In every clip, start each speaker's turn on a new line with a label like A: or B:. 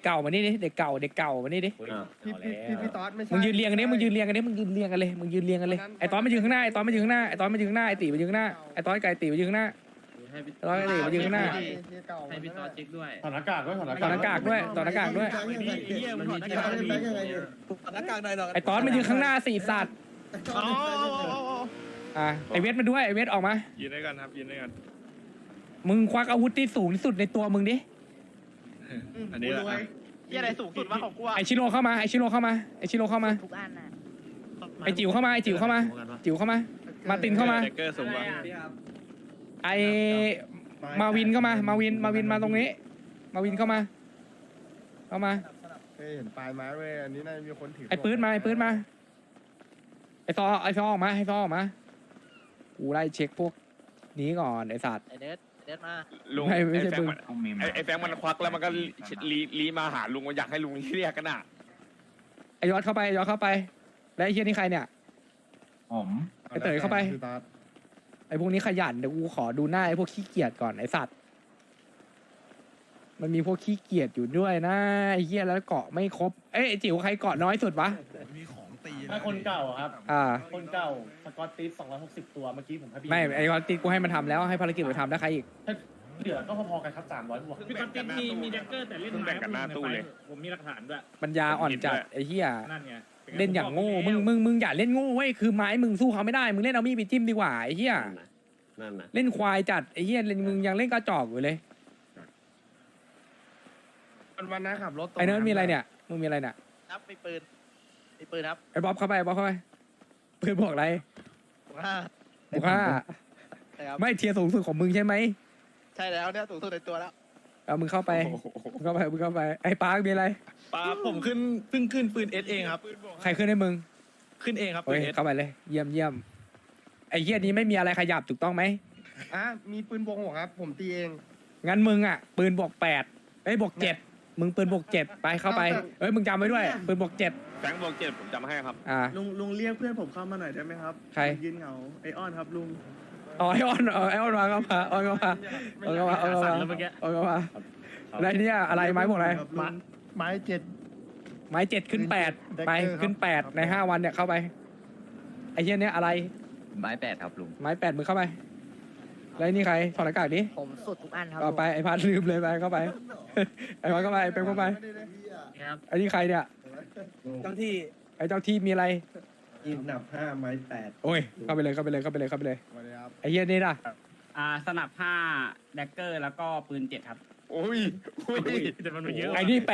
A: เก่ามานี่ดิเด็กเก่ามานี่ดิ
B: พี่ต๊อดไม่ใช่
A: มึงยืนเรียงกันดิมึงยืนเรียงกันเลยไอ้ตอนมายืนข้างหน้าไอ้ตีมายืนข้างหน้าไอ้ตีมายืนข้างหน้าไอ้ตอนไก่ตีมายืนข้างหน้าไอ้ตอนไก่ตีมายืนข้างหน้า
C: ให้พี่ต่อเช็คด้วย
D: ถอดหน้ากากด้วย
A: ถอดหน้ากากด้วยถอดหน้ากากด้วย
C: มันมีที่ร้านมี
B: หน้ากากหน่อยหรอ
A: ไอ้ตอนมายืนข้างหน้าสี่สัตว์ไอ้เวทมาด้วยไอ้เวทออกมา
E: ยืนด้วยกันครับยืนด้วยกัน
A: มึงควักอาวุธที่สูงที่สุดในตัวมึงดิ
E: อันนี้แหละ
F: ที่อะไรสูงสุดวะของกูอะ
A: ไอชิโร่เข้ามาไอชิโร่เข้ามาไอจิ๋วเข้ามาไอจิ๋วเข้ามามาตินเข้ามา
E: แจ็คเกอร์สูงกว่า
A: ไอมาวินเข้ามามาวินมาตรงนี้ มาวินเข้ามา
B: เห็นปลายไม้เว้ยอันนี้น่าจะมีคนถือ
A: ไอปืนมาไอซอออกมากูไล่เช็คพวกนี้ก่อนไอสัตว์
F: ไอเด็ดมา
E: ลุง
A: ไม่ใช่
E: ไอ้แฟ
A: ปื
E: ง
A: น
E: มันไอ้แฟงมันควักแล้วมันก็ลีมาหาลุงมันอยากให้ลุงเรียกกันอ่ะ
A: ไอยอดเข้าไปแล้วไอเฮียนี่ใครเนี่ย
D: ผม
A: ไอเต๋อเข้าไป ไอพวกนี้ขยันเดี๋ยวกูขอดูหน้าไอพวกขี้เกียจก่อนไอสัตว์มันมีพวกขี้เกียจอยู่ด้วยนะไอเฮียแล้วเกาะไม่ครบเอ้ยไอจิ๋วใครเกาะน้อยสุดวะ
D: ถ้าคนเก่าครับ คนเก่าสกอตติส260 ตัวเมื่อกี้ผมให้พี่
A: ไม่ไอ้กอนตีกูให้มันทำแล้วให้ภารกิจมันทำแล้วใครอีก
D: เหลือก็พอๆกันครับ300บวก
C: พี่ก๊อตติมีแดกเกอร์แต่เล่นไม้ผมมีหลักฐานด้วย
A: ปัญญาอ่อนจัดไอ้เหี้ย
C: นั่นไง
A: เล่นอย่างโง่มึงอย่าเล่นโง่เว้ยคือไม้มึงสู้เขาไม่ได้มึงเล่นเอามีดไปจิ้มดีกว่าไอ้เหี้ย
G: นั่นน่ะ
A: เล่นควายจัดไอ้เหี้ยมึงยังเล่นกระจอกอยู่เลย
B: วันนั้นขับรถ
A: ไอ้เนิร์ดมีอะไรเนี่ยมึงมีอะไรเนี่ย
F: ครับมีปืนครับ
A: ไอ้บ๊อบเข้าไปปืนบอกอะไร
F: ห้า
A: บอกว่า
F: ใช่ครับ
A: ไม่เทียร์สูงสุดของมึงใช่ไหม
F: ใช่แล้วเนี่ยสูงสุดในตัวแล้ว
A: เอามึงเข้าไปไอ้ปาร์คมีอะไร
H: ป้าผมเพิ่งขึ้นปืนเอสเองครับ
A: ใครขึ้นให้มึง
H: ขึ้นเองครับ
A: เฮ้
H: ปื
A: ย
H: นเอส
A: เข้าไปเลยเยี่ยมไอ้เหี้ยนี้ไม่มีอะไรขยับถูกต้องไหม
B: มีปืนบวกหัวครับผมตีเอง
A: งั้นมึงอ่ะปืนบวก8บวก7มึงปืนบวก7ไปเข้าไปเอ้ยมึงจำไว้ด้วยปืนบวก7
E: แฟงบอก7ผมจำให้ครับ
H: ลุงเรียกเพื่อนผมเข้ามาหน่อยได้ไหมครับ
A: ใคร
H: ยืนเหงาไอออนครับลุง
A: อ๋อไอออนมาเข้ามาอะไรเนี่ยอะไรไม้บอกอะไร
H: ครับลุง
B: ไม้7
A: ไม้7ขึ้น8ไปขึ้น8ใน5วันเนี่ยเข้าไปไอ้เหี้ยเนี่ยอะไร
G: ไม้8ครับลุง
A: ไม้8มึงเข้าไปแล้วนี่ใครถอดหน้ากากดิ
F: ผมสุดทุกอันครับ
A: ก็ไปไอ้พัดลืมเลยไปเข้าไปไอ้พัดเข้าไปเป็นเข้าไป
C: ครับ
A: ไอ้นี่ใครเนี่ย
H: เจ้าที่
A: ไอ้เจ้าที่มีอะไร
H: ยินหนับ5ไม้8
A: โอ้ยเข้าไปเลยไอ้เหี้ยนี่ล่ะ
C: สนับ5แดกเกอร์แล้วก็ปืน7ครับ
E: โอ้ย
C: แต่มันไม่เยอะ
A: ไอ้นี่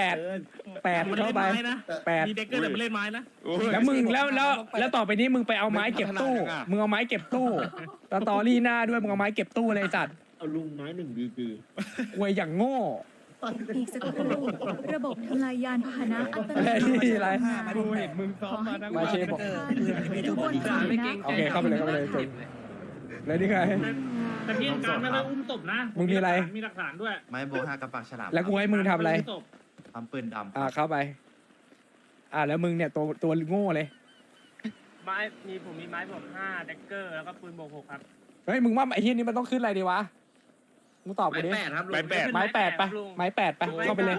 A: 8เข้าไป8
C: มีแดกเกอร์แต่มันเล่นไม้นะ
A: แล้วมึงแล้วต่อไปนี้มึงไปเอาไม้เก็บตู้มึงเอาไม้เก็บตู้ตอรี่หน้าด้วยมึงเอาไม้เก็บตู้เลยไอ้สัตว์
G: เอาลุงไม้1ดี
A: อวยอย่างโง่
I: อีกสักครู่ระบบทำลายยานพาหนะอัตโน
A: อะไร
I: มัติ
A: นี่อะไร
B: กูเห็นมึงซ้อมมาทั้ง
A: มาเชฟบอก
I: ทุกคนฟังนะ
A: โอเคเข้าไปเลยจบแล้วนี่ไง
C: แต่พี่การไม่ได้อุ้มศพนะ
A: มึงมีอะไร
C: มีหลักฐานด้วย
G: ไม้โบ5กับปากฉลาม
A: แล้วกูให้มึงทำอะไร
G: ทำปืนดำ
A: เข้าไปแล้วมึงเนี่ยตัวโง่เลย
C: ผมมีไม้บวก5แดกเกอร์แล้วก็ปืนบวก6ครับ
A: เฮ้ยมึงว่าไอ้เฮียนี่มันต้องขึ้นอะไรดีวะมึงตอบกูดิ
E: ไม้8
A: ไม้8ไปไม้8ไปเข้าไปเลย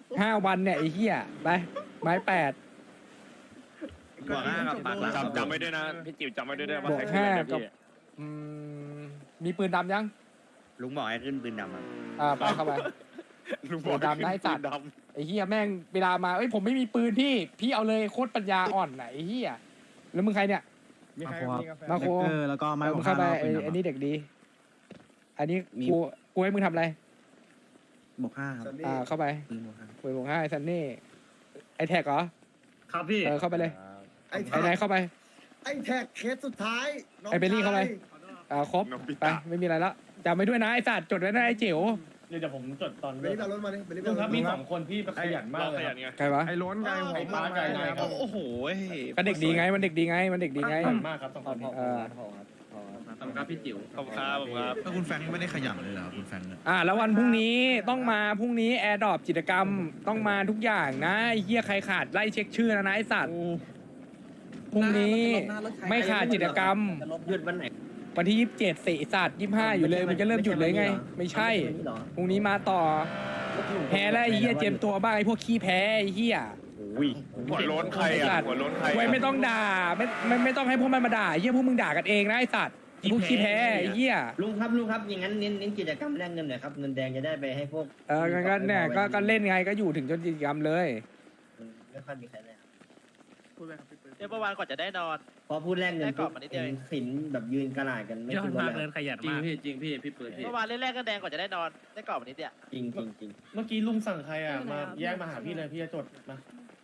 A: 5วันเนี่ยไอ้เฮียไปไม้8
G: บวก5กับปากฉลาม
E: จำไว้ด้วยนะพี่จิ๋วจำไว้ด้วยว่า
A: บวก
E: ใครขึ้นอะไร
A: 5
E: นะ
A: กับ
E: พี่
A: มีปืนดำยัง
G: ลุงบอกให้ขึ้นปืนดำครับ
A: ไปเข้าไป
E: ลุงบอก
A: ดำนะไอ้สัตว์
E: ด
A: ไอ้เฮียแม่งเวลามาผมไม่มีปืนพี่เอาเลยโคตรปัญญาอ่อนไหนไอ้เฮียแล้วมึงใครเนี่ย
B: มีใครมีกาแฟ
A: มาโคแล้วก็มึงเข้าไปไอ้นี่เด็กดี อันนี้กูให้มึงทำอะไร
G: บวก5ครับ
A: เข้าไป
G: ปืนบวก
A: ปืนบวก5ไอ้ซันนี่ไอ้แท็กเหรอ
C: ครับพี่
A: เข้าไปเลย
B: ไอ้
A: ไอ้ไหนเข้าไป
B: ไอ้แท็กเคสสุดท้าย
A: ไอ้เบลลี่เข้าไป ครบ
E: ำน้องปิ
A: ไป
E: ตา
A: ไม่มีอะไรแล้วจำไว้ด้วยนะไอ้สัตว์จดไว้นะไอ้จิ๋ว
D: เดี๋ยวผมจดตอน
B: เบลลี่เอารถมาดิเบลลี่
D: ลุงครับมี2คนที่ขยันมาก
E: เรา
D: เล
E: ข
D: ย
E: ยันไง
A: ใครวะ
B: ไอ้ล้นไง
D: ไอ้ป้าไก่ไงครับ
H: โอ้โห
A: ก็เด็กดีไงมันเด็กดีไง
D: ขยันมากครับ2คนนี้
C: ขอบคุณครับพี่จิ๋ว
E: ขอบคุณครับผมครับ
H: ถ้าคุณแฟงไม่ได้ขยันเลยเหรอคุณแฟงเนี่ย
A: แล้ววันพรุ่งนี้ต้องมาพรุ่งนี้แอร์ดรอปกิจกรรมต้องมาทุกอย่างนะไอ้เหี้ยใครขาดไล่เช็คชื่อนะไอ้สัตว์พรุ่งนี้ไม่ขาดกิจกรรม
G: หยุดวันไหน
A: วันที่27สิสัตว์25อยู่เลยมันจะเริ่มหยุดเลยไง ไม่ใช่พรุ่งนี้มาต่อแพ้แล้วไอ้เหี้ยเจมตัวบ้างไอ้พวกขี้แพ้ไอ้เหี้ย
G: อุ้ย
E: หัวโล้นใครอ่ะหัวโล้นใคร
A: เว้ยไม่ต้องด่าไม่ต้องให้พวกมันมาด่าไอ้เหี้ยพวกมึงด่ากันเองนะไอ้สัตว์ไอ้พวกขี้แพ้ไอ้เหี้ย
G: ลุงครับอย่างนั้นเน้นกิจกรรมแลกเงินหน่อยครับเงินแดงจะได้ไปให้พวก
A: ก็เนี่ยก็เล่นไงก็อยู่ถึงจนกิจกรรมเลย
G: ไม่ค่อยมีใครเลย
F: เดี๋ยวเมื่อวานก่อนจะได้นอน
G: พอพูดแลกเงิน
F: ได้กรอบมานิดเดียวเอง
G: สินแบบยืนกระหน่ายกันไม่
C: ยอ
G: คิ
C: ด
G: ดว่าม
C: ากเลยขยันมาก
G: จริงพี่เปิด
F: เมื่อวานเล่นแรกก็แดงก่อนจะได้นอนได้กรอบมานิดเดียว
G: จริง
D: เมื่อกี้ลุงสั่งใครอ่ะมาแยกมาหาพี่เลยพี่จะจดมา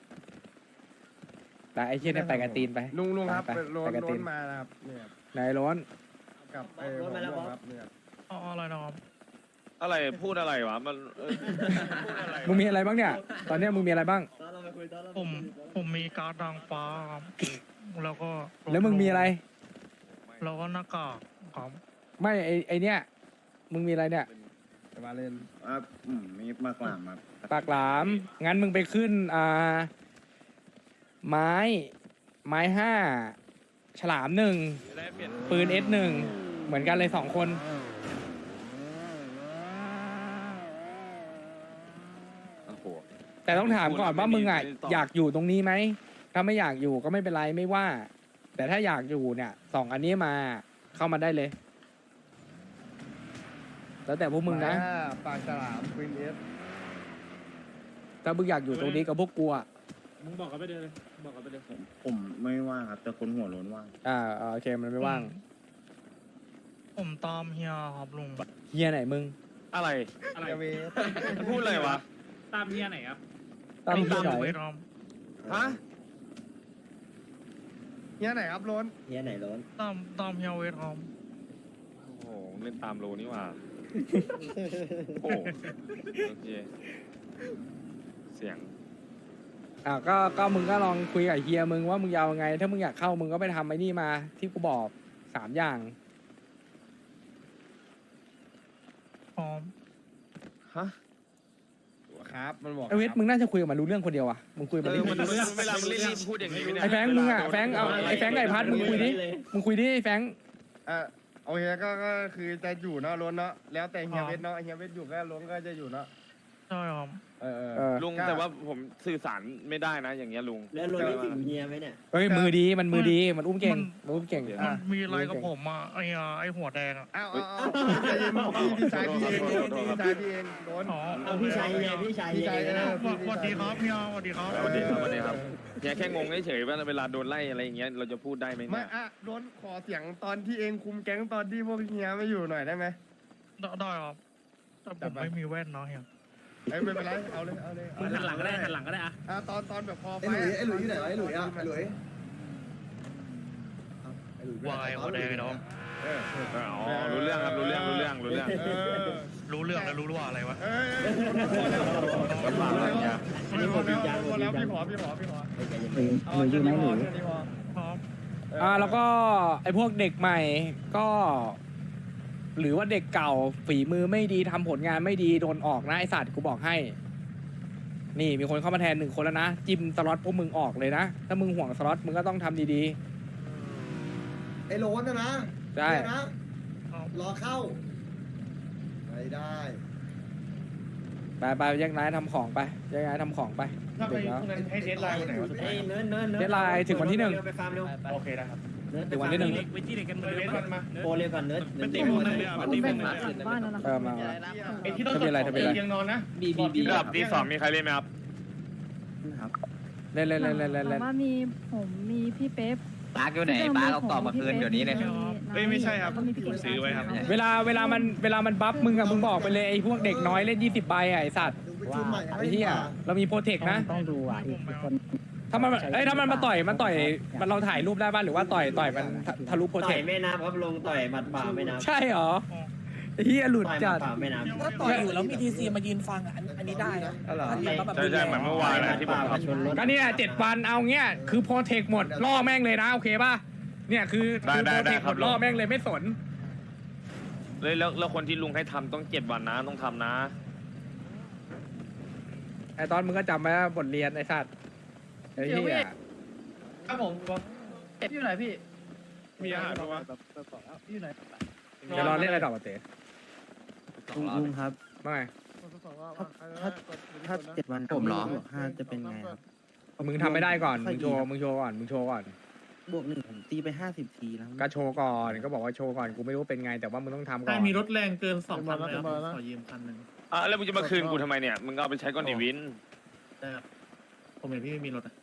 A: แต่ไอ้เชี่ยเนี่ยไปกันตีนไป
B: ลุงครับ
A: ไป
B: โล้
A: ไป
B: น
A: กันตีน
B: มานะครับเนี่ย
A: นายร้อน
B: กับหัวม่วงครับเนี่ย
C: อะไรนะครับ
E: อะไรพูดอะไรวะมันพูดอะไร
A: มึงมีอะไรบ้างเนี่ย ตอนเนี้ยมึงมีอะไรบ้าง
C: ผมมีการ์ดนางฟ้าครับแล้วก็
A: แล้วมึงมีอะไร
C: แล้วก็หน้ากากครับ
A: ไม่ไอเนี้ยมึงมีอะไรเนี่ย
B: มาเล่น
G: มีมากกว่ามา
A: ปากหลามงั้นมึงไปขึ้นไม้ห้าฉลามหนึ่งปืน S1 เหมือนกันเลย2 คน
E: โอ้โห
A: แต่ต้องถามก่อนว่ามึงอ่ะอยากอยู่ตรงนี้ไหมถ้าไม่อยากอยู่ก็ไม่เป็นไรไม่ว่า แต่ถ้าอยากอยู่เนี่ย2 อันนี้มาเข้ามาได้เลย แล้วแต่พวกมึงนะ
B: ปากฉลามควีนเอส
A: ถ้ามึงอยากอยู่ตรงนี้กับพวกกูอ่ะ
C: มึงบอกกันไปเลยบอกกันไปเลย
G: ผมไม่ว่างครับแต่คนหัวโล้นว่าง
A: โอเคมันไม่ว่าง
C: ผมตามเฮียครับลุง
A: เฮียไหนมึง
E: อะไร
C: อะไร
B: เวส
E: มันพูดอะไรวะ
C: ตามเฮียไหนครับ
A: ตามเฮียไหน
C: เวทครับ
E: ฮะ
B: เนี่ยไหนครับโล้น
G: เฮียไหนโล้น
C: ตามเฮียเวทครับ
E: โอ้โหเล่นตามโลนี่หว่าโอ้โอเคเสียง
A: ก็มึงก็ลองคุยกับเฮียมึงว่ามึงยาวไง ถ้ามึงอยากเข้ามึงก็ไปทำไอ้นี่มา ที่กูบอก3 อย่าง
C: พร้อม
E: ฮะ
B: ครับมันบอก
A: ไอเวทมึงน่าจะคุยกับมันรู้เรื่องคนเดียวอ่ะมึงคุยกับมันดิ
E: มันเวลามึงรีบพูดอย่างนี้เนี่ย
A: ไอแฟงค์มึงอ่ะแฟงค์เอาไอแฟงค์กับไอพัดมึงคุยดิไอแฟงค์
B: โอเคก็คือจะอยู่เนาะโล้นเนาะแล้วแต่เฮียเวสเนาะเฮียเวสอยู่ก็โล้นก็จะอยู่เนาะ
C: ใช่ครับ
E: ลุงแต่ว่าผมสื่อสารไม่ได้นะอย่างเงี้ยลุง
G: แล้วโล้นนี่ถึงเฮียไหมเนี่ย
A: เฮ้ยมือดีมันอุ้มเก่งมันอุ้มเก่ง
C: มันมีอะไรกับผมอ่ะไอหัวแดงอ่ะ
B: อ้าวใจเย็นพี่ชายพี่เองพี่ชายพี่เองโล้น
C: อ๋อ
G: เอาพี่ชายเฮียพี่ชายเฮียก็ได้
C: สวัสดีครับเฮียสวัสดีครับ
E: สวัสดีครับสวัสดีครับเนี่ยแค่งงเฉยๆว่าเวลาโดนไล่อะไรอย่างเงี้ยเราจะพูดได้ไหม
B: ไม่
E: เนี่ย
B: โล้นขอเสียงตอนที่เองคุมแก๊งตอนที่พวกเฮียไม่อยู่หน่อยได้ไหม
C: ได้ครับแต่ผมไม่มีแว่นเนาะเฮีย
B: ไม่เป็นไรเอาเลย
C: มึงหันหลังก็ได้หันหลังก็ได้อะ
B: ตอนแบบพอไฟ
H: ไอ้หลุยอยู่ไหนวะไอ้หลุยอ่ะไอ้หลุย
C: วายหัวแดงเนาะ
E: อ๋อรู้เรื่องครับรู้เรื่อง
C: รู้เรื่องแล้วรู้ว่าอะไรวะ
E: ลำบากอะไรเงี้ย
B: พอแล้วพี่ขอ
G: หรืออยู่ไหมหรือ
C: พร้อม
A: แล้วก็ไอพวกเด็กใหม่ก็ หรือว่าเด็กเก่าฝีมือไม่ดีทำผลงานไม่ดีโดนออกนะไอสัตว์กูบอกให้ นี่มีคนเข้ามาแทน1 คนแล้วนะจิ้มสล็อตพวกมึงออกเลยนะถ้ามึงห่วงสล็อตมึงก็ต้องทำดี
H: ไอ้โล้นนะ
A: ๆใช่
H: นะรอเข้าไม่ได้
A: ไปแยกย้ายทำของไปแยกย้ายทำของไป
D: ถ้าไป
A: เดี๋ยว
D: พวกนั้นให้เดทไลน์วันไหนวะสุดท้าย
G: เนิร์ด
A: เดดไลน์ถึงวันที่ 1
G: ไปฟาร์มเร็ว
D: โอเคนะครับ
A: ถึงวันที่ 1
C: ไปที่เด็กกัน
D: เดทมันมา
G: โปรเร็วก่อนเนิร์ด
C: เป็นตีมึงเลยอ่ะเป็นตีมึงเลย
I: บ้านแล้วนะ
A: มา
D: ไอ้ที่ต้องจดเตียงนอนนะ
E: ระดับที่2มีใครเล่นไหมครับ
A: เล่น
I: แต่ว่ามีพี่เป๊ป
F: ปาร์กอยู่ไหนปาร์กเอากรอบมาคืนเดี๋ยวนี้เลย
I: ไม่ใช่ครับผมซื้อไว้ครับ
A: เวลามันบัฟมึงอะมึงบอกไปเลยไอ้พวกเด็กน้อยเล่น20 ใบอะไอ้สัตว์
H: ดูไปชุดใหม่
A: ไอ้เหี้ยเรามีโปรเทคนะ
C: ต้องดูอ่ะ
A: ถ้ามันมาต่อยมันเราถ่ายรูปได้ป่ะหรือว่าต่อยมันทะลุโปร
G: ต่
A: เท
G: อ
A: ค
G: ยไม่นับครับลงต่อยหมัดเปล่าไม่นับ
A: ใช่เหรอไอ้เหี้ยหลุด
G: ต่อยหมั
A: จั
G: ด
A: ด
G: เปล่าไม่นับ
J: ถ้าต่อยอยู่แล้วมีทีซีมายืนฟังอันนี้ได้นะ
A: อ๋อเหรอ
J: ถ้ายืนแล้วแบบ
E: ใช่เหมือนเมื่อวานนะที่ผมทำ
G: ชนรถ
A: ก็เนี่ย7 วันเอาเงี้ยคือโปรเทคหมดล่อแม่งเลยนะโอเคป่ะเนี่ยคือโปรเทคหมดล่อแม่งเลยไม่สน
E: แล้วคนที่ลุงให้ทำต้อง7 วันนะต้องทำนะ
A: ไอ้ตอนมึงก็จำไว้ว่าบทเรียนไอ้สัตว์ไอ้เหี้ย
D: ครับผม
F: อยู่ไหนพี่
E: มีอาหารปะวะ
A: จะรอเล่นอะไรต่อมาเต๋
G: ลุงครับ
A: ว่าไง
G: ถ้า7 วันผมเหรอ5จะเป็นไงครับ
A: มึงทำไม่ได้ก่อน มึงโชว์ก่อน มึงโชว์ก่อน
G: บวก1ผมตีไป50 ทีแล้ว
A: ก็โชว์ก่อน ก็บอกว่าโชว์ก่อน กูไม่รู้เป็นไง แต่ว่ามึงต้องทำก่อน
D: ถ้ามีรถแรงเกิน2 คันแล้วขอยืมคันหนึ่ง
E: แล้วมึงจะมาคืนกูทำไมเนี่ย มึงก็เอาไปใช้ก้อนดิวิน
D: ได้ครับผมเห็นพี่ไม่มีรถอะ